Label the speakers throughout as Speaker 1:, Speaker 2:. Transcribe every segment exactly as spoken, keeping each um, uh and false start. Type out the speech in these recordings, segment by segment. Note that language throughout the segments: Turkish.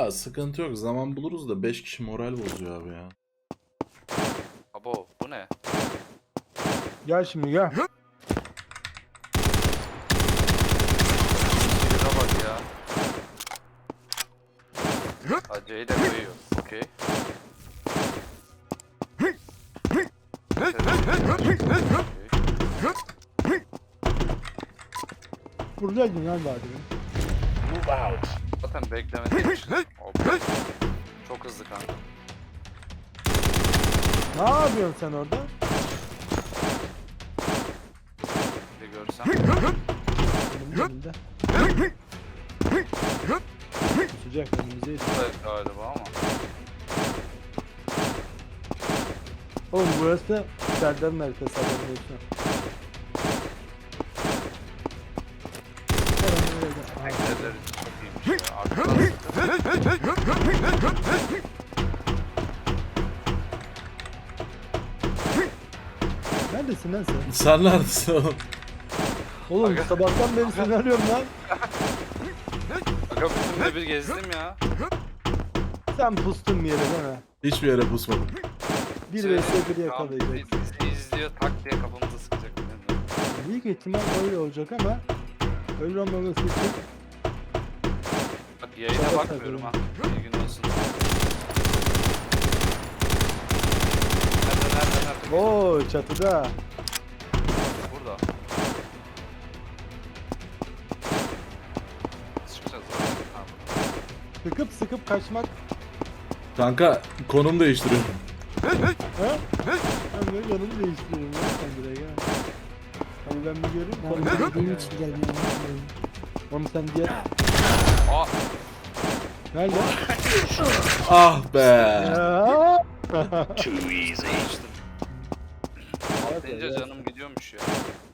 Speaker 1: Ya sıkıntı yok. Zaman buluruz da beş kişi moral bozuyor abi ya.
Speaker 2: Abo bu ne?
Speaker 3: Gel şimdi gel.
Speaker 2: Şuraya bak ya. Acayı da koyuyor. Okey.
Speaker 3: Buradaydın lan daha demin.
Speaker 2: Zaten beklemedim. Hop. Çok hızlı kanka.
Speaker 3: Ne yapıyorsun sen orada?
Speaker 2: Bir görsem.
Speaker 3: Benim elimde. Sıcak önümüze yedi.
Speaker 2: Evet galiba ama.
Speaker 3: Oğlum burası Serdar'ın haritası haberin olsun.
Speaker 2: Eklerler çok iyiymiş ya. Arkadan
Speaker 3: Neredesin lan sen?
Speaker 1: Sen neredesin oğlum?
Speaker 3: Oğlum sabahtan beri seni arıyorum lan.
Speaker 2: Aga bütün de bir gezdim ya.
Speaker 3: Sen pustun bir yere değil mi?
Speaker 1: Hiçbir yere pusmadım.
Speaker 3: Bir
Speaker 2: Şey,
Speaker 3: vs bir
Speaker 2: tam
Speaker 3: yakalayacak.
Speaker 2: Bizi izliyor tak diye kafamıza sıkacak.
Speaker 3: Büyük ihtimal öyle olacak ama öyle olmaması için
Speaker 2: Bak yayına bakmıyorum ha. İyi gün olsun. Nerede nerede nerede?
Speaker 3: ooo çatıda.
Speaker 2: Burada. Çıkacağız. Ha,
Speaker 3: Sıkıp sıkıp kaçmak.
Speaker 1: Kanka konum değiştiriyorum.
Speaker 3: Ha? Ben böyle yanımı değiştiriyorum ya sen buraya gel. Hadi ben bir göreyim.
Speaker 4: Ben
Speaker 3: Sonra sen
Speaker 4: dediğim
Speaker 3: gel.
Speaker 4: için gelmiyorum.
Speaker 3: Oğlum sen diğer...
Speaker 2: Aa,
Speaker 3: Nerede?
Speaker 1: Ah be.
Speaker 3: Ya.
Speaker 2: değiştim.
Speaker 3: Evet,
Speaker 2: Deyince
Speaker 3: evet.
Speaker 2: canım gidiyormuş ya.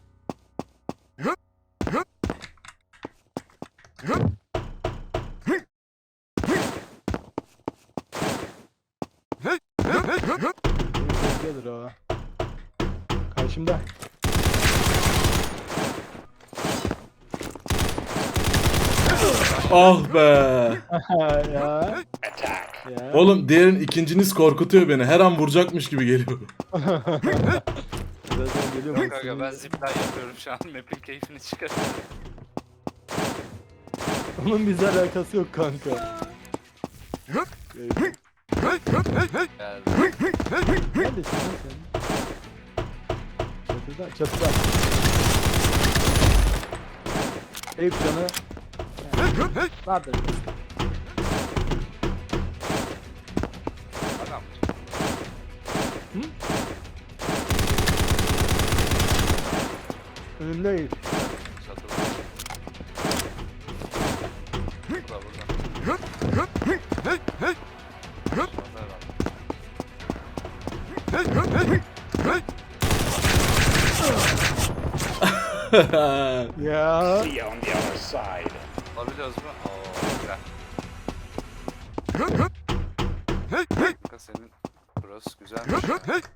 Speaker 3: Gelir o. Karşımda.
Speaker 1: Ah be.
Speaker 3: ya. Ya.
Speaker 1: Oğlum diğerin ikinciniz korkutuyor beni. Her an vuracakmış gibi geliyor.
Speaker 3: Zaten geliyorum.
Speaker 2: Yok aga ben zipline yapıyorum şu an. Map'in keyfini çıkarıyorum.
Speaker 3: Onun bizle alakası yok kanka. Evet.
Speaker 2: Yani
Speaker 3: Neredesin lan sen? Çatıda, çatıda. Eyüp canı.
Speaker 4: Vardır.
Speaker 2: adam.
Speaker 3: Önünde Eyüp.
Speaker 2: Çatıda. Burada burada. Şurada herhalde.
Speaker 3: Ya.
Speaker 2: Alabiliyoruz mu? Oo güzel. Kanka senin burası güzelmiş.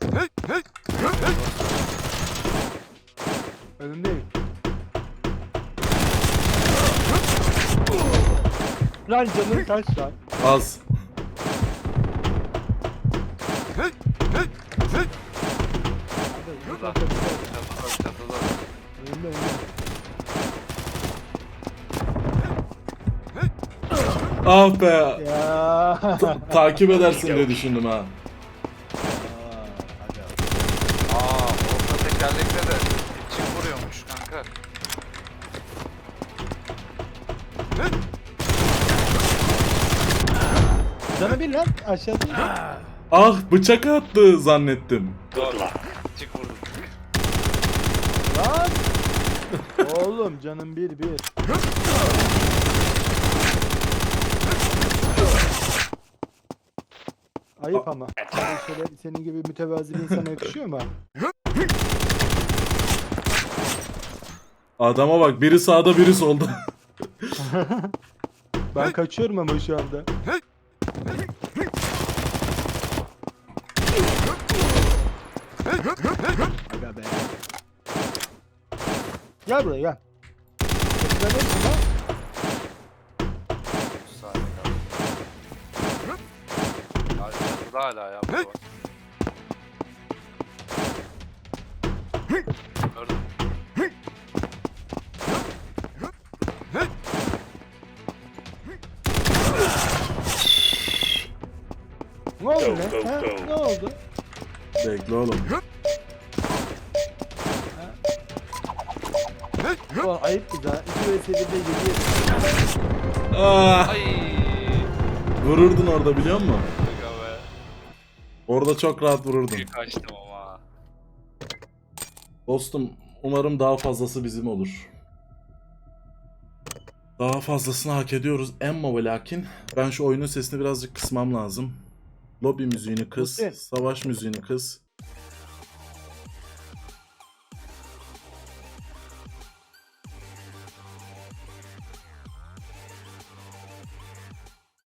Speaker 3: Önünde Eyüp. Lan canın kaç lan?
Speaker 1: Az.
Speaker 2: Burada. Çatıda çatıda.
Speaker 3: Önünde önünde.
Speaker 1: Ah be.
Speaker 3: Ya.
Speaker 1: Ta- takip edersin diye düşündüm ha.
Speaker 2: Aa orta tekerlekle de çift vuruyormuş kanka.
Speaker 3: Canı bir lan aşağıda.
Speaker 1: Ah bıçak attı zannettim.
Speaker 2: Doğru. Çift vurdum.
Speaker 3: Lan. Oğlum canım bir bir. Ayıp ama. Yani şöyle senin gibi mütevazi bir insana yakışıyor mu?
Speaker 1: Adama bak biri sağda biri solda.
Speaker 3: Ben kaçıyorum ama şu anda. Aga be. Gel buraya gel. Sen neresin lan?
Speaker 2: üç saniye kaldı. Çatıda hala ya. bu. Gördüm.
Speaker 3: Ne oldu lan? Ha? Ne oldu?
Speaker 1: Bekle oğlum.
Speaker 4: Ulan ayıp bir daha. iki vs birde yedi.
Speaker 1: Ah,
Speaker 2: Ay.
Speaker 1: vururdun orada biliyor musun?
Speaker 2: Aga be.
Speaker 1: Orada çok rahat vururdun.
Speaker 2: Büyük kaçtım ama.
Speaker 1: Dostum umarım daha fazlası bizim olur. Daha fazlasını hak ediyoruz emma ve lakin ben şu oyunun sesini birazcık kısmam lazım. Lobby müziğini kıs,
Speaker 4: Hüseyin.
Speaker 1: savaş müziğini kıs.